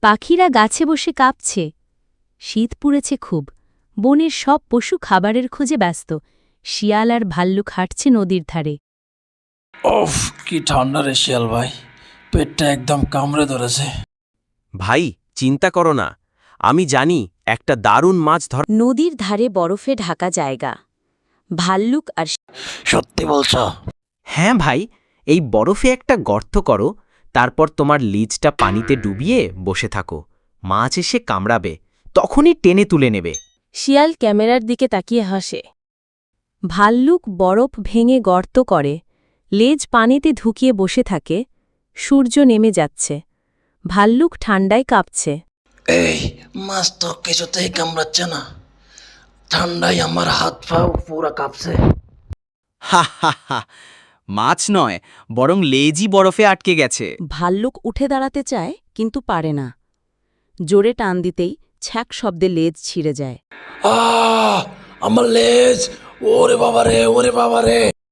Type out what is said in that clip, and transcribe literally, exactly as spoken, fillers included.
পাখিরা গাছে বসে কাঁপছে। শীত পুড়েছে খুব। বনের সব পশু খাবারের খোঁজে ব্যস্ত। শিয়াল আর ভাল্লুক হাঁটছে নদীর ধারে। ওফ, কি ঠান্ডা রে শিয়াল ভাই, পেটটা একদম কামড়ে ধরেছে। ভাই চিন্তা করো না, আমি জানি একটা দারুণ মাছ ধর। নদীর ধারে বরফে ঢাকা জায়গা। ভাল্লুক আর সত্যি বলছো? হ্যাঁ ভাই, এই বরফে একটা গর্ত করো, তারপর তোমার লিজটা পানিতে ডুবিয়ে বসে থাকো। মাছ এসে কামড়াবে, তখনই টেনে তুলে নেবে। শিয়াল ক্যামেরার দিকে তাকিয়ে হাসে। ভাল্লুক বরফ ভেঙে গর্ত করে, লেজ পানিতে ঢুকিয়ে বসে থাকে। সূর্য নেমে যাচ্ছে। ভাল্লুক ঠান্ডায় কাঁপছে। এই মাছ তো কিছুতেই কামড়াচ্ছে না, ঠান্ডায় আমার হাত পা পুরো কাঁপছে। হা হা হা, মাছ নয়, বরং লেজই বরফে আটকে গেছে। ভাল্লুক উঠে দাঁড়াতে চায়, কিন্তু পারে না। জোরে টান দিতেই ছ্যাক শব্দে লেজ ছিঁড়ে যায়। আহ, আমার লেজ! ওরে বাবা রে, ওরে বাবা রে!